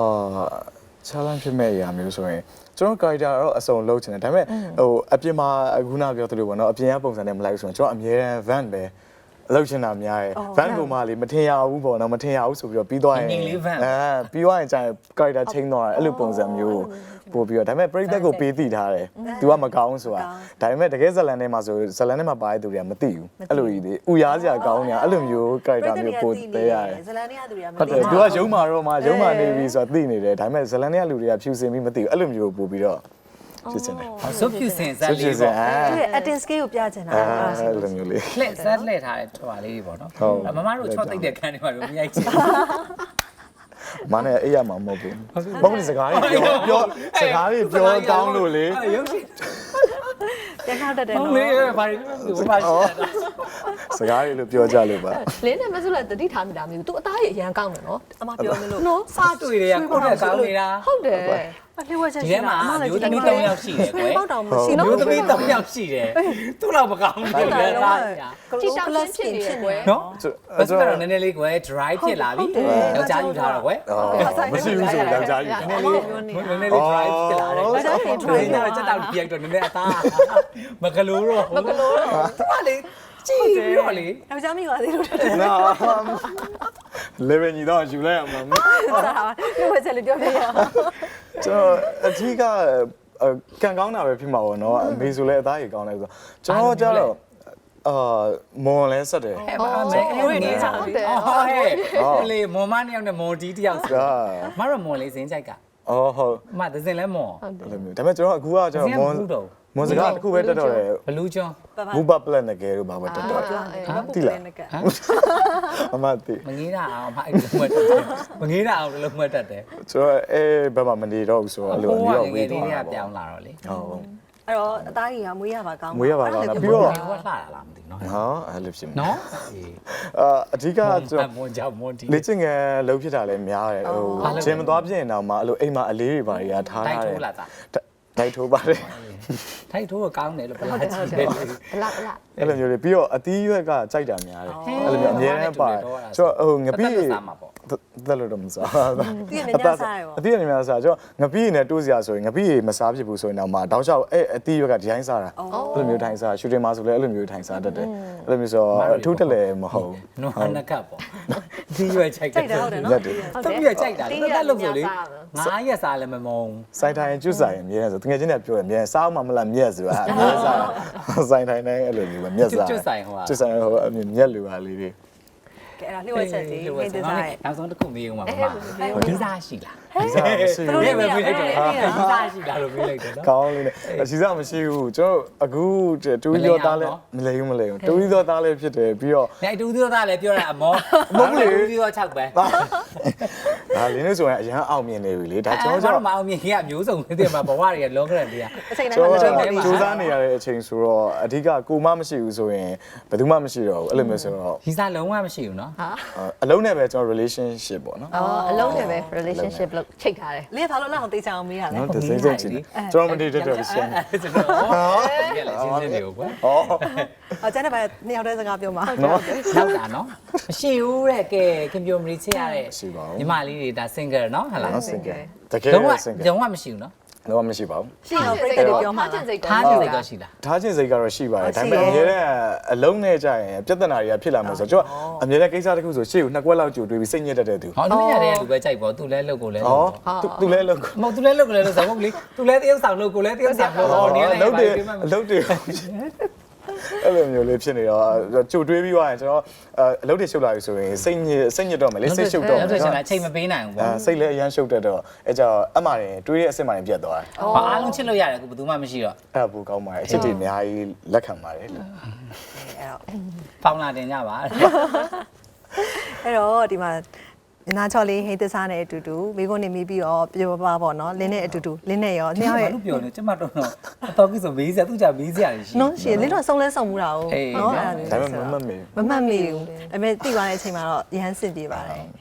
Speaker 2: challenge ဖြစ်မဲ့အရာမျိုးဆိုရင်ကျွန်တော် character တော့အစုံလုံးချင်တယ်ဒါပေမဲ့ဟိုအပြင်မှာအခုနပြောသလိုပေါ့နော်အပြင်ကပုံစံနဲ့မလိုက်ဘူးဆိုရင်ကျွန်တော်အမြဲတမ်း van ပဲလောက်ချင်တာများရဲ့ van ကိုမှလေမထင်ရဘူးပေါ့နော်မထင်ရဘူးဆိုပြီးတော့ပြီးသွားရင်ပြီးသွားရင်ကျရင် character change သွားတယ်အဲ့လိုပုံစံမျိုးပို့ပြီးတော့ဒါပေမဲ့ပရိသတ်ကိုပေးသိထားတယ် तू ကမကောင်းဆိုတာဒါပေမဲ့တကယ်ဇလန်ထဲမှာဆိုဇလန်ထဲမှာပါတဲ့သူတွေကမသိဘူးအဲ့လိုကြီးလေဥရားစရာကောင်းနေတာအဲ့လိုမျိုး character မျိုးပို့ပေးရတယ်
Speaker 1: ဇလန်တွေကသူတွေကမ
Speaker 2: ဟုတ်တယ် तू ကရုံးမာတော့မှရုံးမာနေပြီဆိုတာသိနေတယ်ဒါပေမဲ့ဇလန်တွေကလူတွေကဖြူစင်ပြီးမသိဘူးအဲ့လိုမျိုးပို့ပြီးတော့ဖြစ်နေတယ်
Speaker 4: ဆုပ်ဖြူစင်ဇက်လေးပေါ့
Speaker 1: သူရဲ့ acting skill ကိုပြချင်တာ
Speaker 2: အဲ့လိုမျိုးလေး
Speaker 4: လှည့်ဇက်လှည့်ထားတဲ့ထွာလေးတွေပေါ့နော်မမတို့ချော့သိတဲ့ခန်းတွေမှာတော့မရိုက်ချင်
Speaker 2: မနဲ့အေးရမှာမဟုတ်ဘူးမဟုတ်ဘူးစကားလေးပြောစကားလေးပြောကောင်းလို့လေ
Speaker 4: ရုပ်ရှင်
Speaker 1: ပြန်ခောက်တတ်တယ်
Speaker 4: ဟုတ်
Speaker 1: နော်
Speaker 4: လေဘာလို့ဘာရှိ
Speaker 2: စကားလေးလို့ပြောကြလို့ပါ
Speaker 3: လင်းနဲ့မဆုလည်းတတိထားမိတာမျိုးသူအသားကြီးအရန်ကောင်းတယ်နော်
Speaker 1: အမပြောမလို့
Speaker 3: နော်
Speaker 4: စားတွေ့တွေကကိုယ့်နဲ့ကောင်းနေတာ
Speaker 3: ဟုတ်တယ်
Speaker 1: အလှည့်ဝက်ချက်
Speaker 4: ဒီ
Speaker 1: ရှိ
Speaker 4: ထဲမှာ
Speaker 1: တာအမလည်း
Speaker 4: မျိုး
Speaker 1: ကြည့်
Speaker 4: သမီး
Speaker 1: တယ်
Speaker 4: 3ယောက်ရှိတယ်ကွယ်
Speaker 1: ပေါက်တောင်မရှိ
Speaker 4: မျိုးသမီး3ယောက်ရှိတယ်သူ့လောက်မကောင်းဘူးလေ
Speaker 1: ဘူး
Speaker 4: သား
Speaker 1: ကြည့်တောင်လက်ဖြစ်နေကွယ်
Speaker 4: နော်အဲ့ဒါတော့နည်းနည်းလေးကွယ် dry ဖြစ်လာပြီယောက်ျားယူထားတော့ကွယ်
Speaker 2: မရှိဘူးဆိုယောက်ျားကြီး
Speaker 4: နည်းနည်းလေး dry ဖြစ်လာတယ်အဲ့ဒါကို dry တော့စက်တောက်ပြိုက်တော့နည်းနည်းအသားမကလို့တော့သူကလေကြည့်ပြီးတော့လေ
Speaker 1: ယောက်ျားမိပါသေးလို့တက်တယ်
Speaker 2: နော်လေဗင်ကြီးတော့ယူလိုက်ရမှာ
Speaker 1: လှည့်ဝက်ချက်လေးပြောပြရအောင်
Speaker 2: ကျွန်တော်အကြီးကကန်ကောင်းတာပဲဖြစ်မှာပေါ့နော်အမေဆိုလဲအသားကြီးကောင်းတယ်ဆိုကျွန်တော်ကျတော့မွန်လဲဆက်တယ်
Speaker 4: အဲ့ပါမယ်အဲ့နေစားပြီဟဲ့လေမွန်မနှစ်ယောက်နဲ့မွန်ဒီတယောက်ဆိုမရမွန်လေးစင်းကြိုက်က
Speaker 2: အော်ဟုတ်
Speaker 4: မသစင်လဲမွန်
Speaker 2: အဲ့လိုမျိုးဒါပေမဲ့ကျွန်တော်အခုကကျွန်တော်မွန်စကားတစ်ခုပဲတက်တော့တယ်
Speaker 4: ဘလူးကျွန်း
Speaker 2: မူပပလက်နကဲလို့ဘာပဲတက်တော့တိလားအမတိ
Speaker 4: မငေးတာအောင်မအဲ့လိုမှတ်တတ်မငေးတာအောင်လို့မှတ်တတ်တယ်
Speaker 2: ကျွန်တော်ဘယ်မှာမနေတော့ဘူးဆိုတော့အဲ့လိုနေတော့ဝေး
Speaker 4: လေး
Speaker 2: သွား
Speaker 4: တွေက
Speaker 2: တာ
Speaker 4: ပြော
Speaker 2: ပေါ့
Speaker 4: င်းလာတော့လေ
Speaker 2: ဟုတ်
Speaker 1: အဲ့တော့အသားကြီးကမွေးရပါကောင်း
Speaker 2: မွေးရပါကောင်းတာပြီးတော့
Speaker 4: ဟိုကလှတာလားမသိနော်
Speaker 2: ဟာအဲ့လိုဖြစ်နေ
Speaker 4: နော်
Speaker 2: အဓိကကျွန်တော်
Speaker 4: မွန်ကြောင့်မွန်ဒီ
Speaker 2: လေ့ကျင့်ငယ်လုံးဖြစ်တာလည်းများတယ်ဟိုဂျင်မသွားပြည့်ရင်တော့မှအဲ့လိုအိမ်မှာအလေးတွေပါတွေကထား
Speaker 4: တိုက်
Speaker 2: ထားတယ်
Speaker 4: ထိုးလာတာ
Speaker 2: တိုက်ထိုးပါတယ်
Speaker 4: ထိုက်ထိုးကောင်းတယ်လို့ပြောကြည့်တယ်
Speaker 3: ဘလဘလ
Speaker 2: အဲ့လိုမျိုးလေးပြီးတော့အသီးရွက်ကကြိုက်တာများတယ်အဲ့လိုမျိုးအများနဲ့ပါတယ်ကျွန်တော်ဟိုငပိတက်လို့တော့မစား
Speaker 1: သူရဲ့ညစားရပေါ့
Speaker 2: အသီးရနေများစားကျွန်တော်ငပိနဲ့တိုးစရာဆိုရင်ငပိမစားဖြစ်ဘူးဆိုရင်တော့မှတောက်လျှောက်အဲ့အသီးရွက်ကဒီတိုင်းစားတာအဲ့လိုမျိုးထိုင်စားရှူတင်မှာဆိုလည်းအဲ့လိုမျိုးထိုင်စားတတ်တယ်အဲ့လိုမျိုးဆိုအထူးတက်လည်းမဟုတ်
Speaker 4: နော်နကပ်ပေါ့ဒီရွယ်ချိုက်
Speaker 1: ကြိုက်တာဟုတ်တယ်နော်
Speaker 2: ရက်တယ်
Speaker 4: တပြည့်ကြိုက်တာတက်လို့ဆိုလေ9ရက်စားလည်းမမုံ
Speaker 2: စိုင်းထိုင်ကျွတ်ဆိုင်အမြဲဆိုတကယ်ချင်းနဲ့ပြောရအမြဲစားမှမလားမြက်ဆိုတာအမြဲစားစိုင်းထိုင်တိုင်းအဲ့လိုမျိုးပဲမြက်စားကျွတ်ဆိုင်ဟိုအမြမြက်လူပါလေးတွေ
Speaker 1: ကဲအဲ့ဒါလှည့်ဝက်ချက်ကြီးဟင်းသစားရဲ့
Speaker 4: နောက်ဆုံးတစ်ခုမေးဦးမှာမမဒီစားရှိလား
Speaker 2: ဒီစားမရှိဘူး
Speaker 4: ဒီပဲမေးလိုက်တယ်ဒီစားရှိလားလို့မေးလိုက်တယ်နော်
Speaker 2: ကောင်းလေးနဲ့ဒီစားမရှိဘူးကျွန်တော်အခုတူရီတော်သားလည်းမလဲဘူးတူရီတော်သားလည်းဖြစ်တယ်ပြီးတော့
Speaker 4: နေတူသေးသားလည်းပြောတာအမောတူသေးတော့6ပဲ
Speaker 2: ဒါလင်းလို့ဆိုရင်အရန်အောင်မြင်နေပြီလေဒါကျွန်တော်
Speaker 4: ကျွန်တော်မအောင်မြင်ခင်ကမျိုးစုံနေတယ်မှာဘဝတွေကလောကရန်တွေက
Speaker 1: အချိန်တိုင်း
Speaker 2: ကျွန်
Speaker 1: မှာ
Speaker 2: တော်
Speaker 1: လက်တော့
Speaker 2: စူးစမ်းနေရတဲ့အချိန်ဆိုတော့အဓိကကိုမမရှိဘူးဆိုရင်ဘယ်သူမှမရှိတော့ဘူးအဲ့လိုမျိုးဆိုတော့
Speaker 4: ဒီစားလုံးဝမရှိဘူးနော်
Speaker 2: အလုံးနဲ့ပဲကျွန်တော် relationship ပေါ့နော်
Speaker 3: အလုံးနဲ့ပဲ relationship လို့ချိန်ထားတယ်
Speaker 1: လင်းဘာလို့လောက်အောင်သိချအောင်မေးရလဲ
Speaker 2: နော်တစ်စိမ့်စိမ့်ချင်ကျွန်တော်မနေတတ်တော့ရှင်း
Speaker 4: ကျွန်တော်ဒီကလည်းရှင်းနေတယ်ကွာ
Speaker 2: ဟော
Speaker 1: အကျန်တဲ့ဘာနှစ်ယောက်တည်းစကားပြောမှာ
Speaker 2: နော်
Speaker 4: နောက်တာနော်မရှိဘူးတဲ့ကဲခင်ဗျိုမရီချစ်ရတဲ့ညီမလေးတွေဒါ single နော်ဟုတ်လား
Speaker 2: နော် single တကယ်
Speaker 4: လုံးဝ
Speaker 2: single
Speaker 4: လုံးဝမရှိဘူးနော်
Speaker 2: တော့မရှိပါဘူး
Speaker 1: ရှိတော့ပြိတ္တတွေပြောမှာ
Speaker 3: ထားချင်စိတ်
Speaker 4: ထားနေစိတ်တော့ရှိလား
Speaker 2: ထားခြင်းစိတ်ကတော့ရှိပါတယ်ဒါပေမဲ့အများတဲ့အလုံးနဲ့ကြရင်ပြဿနာတွေကဖြစ်လာမှာဆိုတော့ကျွန်တော်အများတဲ့ကိစ္စတစ်ခုဆိုရှေ့ကိုနှစ်ကွက်လောက်ကြိုတွေးပြီးစိတ်ညစ်တတ်တဲ့သူ
Speaker 4: ဟောလူရတဲ့လူပဲကြိုက်ပေါ့သူလဲလုတ်ကိုလဲ
Speaker 2: ဟောသူလဲလောက်
Speaker 4: မဟုတ်သူလဲလုတ်ကိုလဲလို့ဆိုမဟုတ်လေသူလဲတယောက်ဆောင်လုတ်ကိုလဲတယောက်ဆောင်လုတ်ဟောနေလဲ
Speaker 2: လုံးတယ်လုံးတယ်အဲ့လိုမျိုးလေးဖြစ်နေတော့ကြိုတွေးပြီးသွားရင်ကျွန်တော်အလုပ်တွေရှုပ်လာပြီဆိုရင်စိတ်ညစ်တော့မယ်လေစိတ်ရှုပ်တော့
Speaker 4: ဟုတ်တယ်ရှင်အချိန်မပေးနိုင်ဘူးပေါ့
Speaker 2: စိတ်လည်းအရန်ရှုပ်တတ်တော့အဲကြောင့်အမှန်တွေးတဲ့အစ်စ်မှန်ပြတ်သွားတယ်
Speaker 4: ဘာအားလုံးချစ်လို့ရတယ်အခုဘယ်သူမှမရှိတော့
Speaker 2: အဲ့ဒါဘူကောင်းပါတယ်အချစ်တွေအများကြီးလက်ခံပါတယ်လို့
Speaker 1: အဲ့တော့
Speaker 4: ပေါင်လာတင်ကြပါ
Speaker 1: အဲ့တော့ဒီမှာညနာချော်လေးဟိန်းသစားနဲ့အတူတူမိကုန်းနေမိပြီးတော့ပြောပါပေါ့နော်လင်းနဲ့အတူတူလင်းနဲ့ရောနှစ်ယောက်ရဲ့
Speaker 4: ဘာလို့ပြောလဲကျမတော့အတော်ကြီးဆိုမေးစရာသူကြမေးစရာရှိ
Speaker 1: နော်ရှင်လင်းတော့ဆုံးလဲဆုံးမှုတာ哦နော်အဲ့ဒါ
Speaker 2: ဒါပေမဲ့မမှတ်မိ
Speaker 1: မမှတ်မိဘူးဒါပေမဲ့တိသွားတဲ့အချိန်မှာတော့ရဟန်းစစ်ပြေးပါတယ်